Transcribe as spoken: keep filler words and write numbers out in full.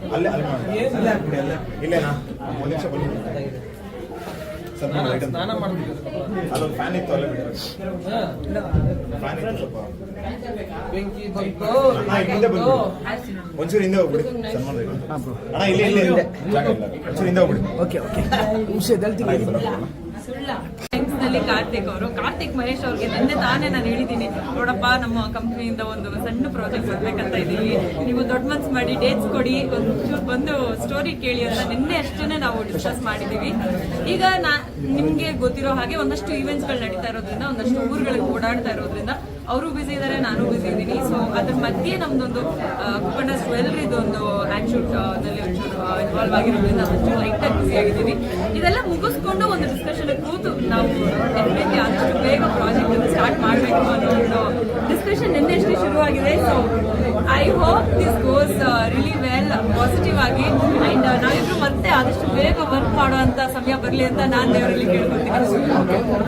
ಅಲ್ಲೇ ಅಲ್ಲೇ ಅಲ್ಲೇ ಹಾಕ್ಬಿಡಿ ಅಲ್ಲೇ ಇಲ್ಲೇನಾ ಒಂದು ನಿಮಿಷ ಬನ್ನಿ ಸ್ವಲ್ಪ ಸ್ನಾನ ಮಾಡ್ತಿದ್ದೆ ಅಲ್ಲೊಂದು ಫ್ಯಾನ್ ಇತ್ತು ಅಲ್ಲೇ ಬಿಡಿ ಫ್ಯಾನ್ ಇತ್ತು ಸ್ವಲ್ಪ ಬೆಂಕಿ ಬಂತು ಅಣ್ಣ ಹಿಂದೆ ಬಂದು ಒಂಚೂರು ಹಿಂದೆ ಹೋಗ್ಬಿಡಿ ಸನ್ಮಾನ ಅಣ್ಣ ಇಲ್ಲಿ ಇಲ್ಲಿ ಇದೆ ಜಾಗ ಇಲ್ಲ ಒಂಚೂರು ಹಿಂದೆ ಹೋಗ್ಬಿಡಿ ಓಕೆ ಓಕೆ ವಿಷಯದಲ್ಲಿ ನಲ್ಲಿ ಕಾರ್ತಿಕ್ ಅವರು ಕಾರ್ತಿಕ್ ಮಹೇಶ್ ಅವ್ರಿಗೆ ನಿನ್ನೆ ತಾನೇ ನಾನು ಹೇಳಿದ್ದೀನಿ, ನೋಡಪ್ಪ ನಮ್ಮ ಕಂಪ್ನಿಯಿಂದ ಒಂದು ಸಣ್ಣ ಪ್ರಾಜೆಕ್ಟ್ ಬರ್ಬೇಕಂತ ಇದೀವಿ, ನೀವು ದೊಡ್ಡ ಮನ್ಸು ಮಾಡಿ ಡೇಟ್ಸ್ ಕೊಡಿ, ಒಂಚೂರು ಬಂದು ಸ್ಟೋರಿ ಕೇಳಿ ಅಂತ ನಿನ್ನೆ ಅಷ್ಟೇ ನಾವು ಡಿಸ್ಕಸ್ ಮಾಡಿದೀವಿ. ಈಗ ನಾ ನಿಮ್ಗೆ ಗೊತ್ತಿರೋ ಹಾಗೆ ಒಂದಷ್ಟು ಈವೆಂಟ್ಸ್ ಗಳು ನಡೀತಾ ಇರೋದ್ರಿಂದ, ಒಂದಷ್ಟು ಊರುಗಳಿಗೆ ಓಡಾಡ್ತಾ ಇರೋದ್ರಿಂದ ಅವರು ಬಿಸಿ ಇದ್ದಾರೆ, ನಾನು ಬಿಸಿ ಇದ್ದೀನಿ. ಸೊ ಅದ್ರ ಮಧ್ಯೆ ನಮ್ದೊಂದು ಕುಪ್ಪಣ್ಣ ಜ್ಯುವೆಲ್ರಿದು ಒಂದು ಹ್ಯಾಂಡ್ ಶೂಟ್ ನಲ್ಲಿ ಒಂಚೂರು ಇನ್ವಾಲ್ವ್ ಆಗಿರೋದ್ರಿಂದ ಒಂಚೂರು ಲೈಟ್ ಆಗಿ ಬಿಸಿ ಆಗಿದ್ದೀವಿ. ಇದೆಲ್ಲ ಮುಗಿಸ್ಕೊಂಡು ಒಂದು ಡಿಸ್ಕಷನ್ ಕೂತು ನಾವು ಡೆಫಿನೆಟ್ಲಿ ಆದಷ್ಟು ಬೇಗ ಪ್ರಾಜೆಕ್ಟ್ ಅನ್ನು ಸ್ಟಾರ್ಟ್ ಮಾಡಬೇಕು ಅನ್ನೋ ಒಂದು ಡಿಸ್ಕಷನ್ ನಿನ್ನೆ ಅಷ್ಟೇ ಶುರುವಾಗಿದೆ. So I hope this goes really well positive ಆಗಿ, ಅಂಡ್ ನಾವಿಬ್ರು ಮತ್ತೆ ಆದಷ್ಟು ಬೇಗ ವರ್ಕ್ ಮಾಡುವಂತ ಸಮಯ ಬರಲಿ ಅಂತ ನಾನು ದೇವರಲ್ಲಿ ಕೇಳ್ಕೊತೀನಿ.